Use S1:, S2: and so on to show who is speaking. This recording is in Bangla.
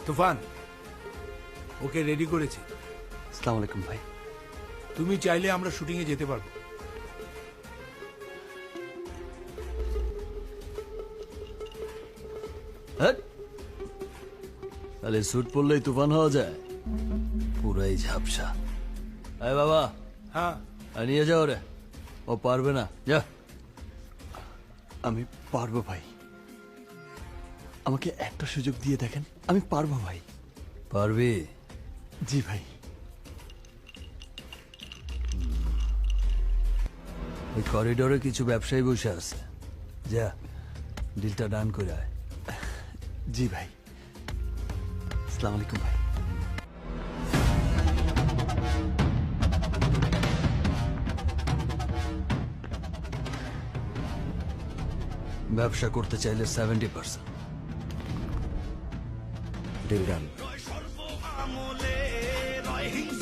S1: তুফান, ওকে রেডি করেছি।
S2: আসসালামু আলাইকুম ভাই।
S1: তুমি চাইলে আমরা শুটিং এ যেতে পারবো।
S2: তাহলে স্যুট পরলেই তুফান হওয়া যায়? পুরাই ঝাপসা। আয় বাবা,
S1: হ্যাঁ,
S2: নিয়ে যাও রে, ও পারবে না, যা। আমি পারবো ভাই, আমাকে একটা সুযোগ দিয়ে দেখেন, আমি পারবো ভাই। পারবি? জি ভাই। ওই করিডোরে কিছু ব্যবসায়ী বসে আছে, যা ডিলটা ডান করে আয়। জি ভাই। আসসালামু আলাইকুম ভাই। ব্যবসা করতে চাইলে 70%।
S3: ডিল ডান।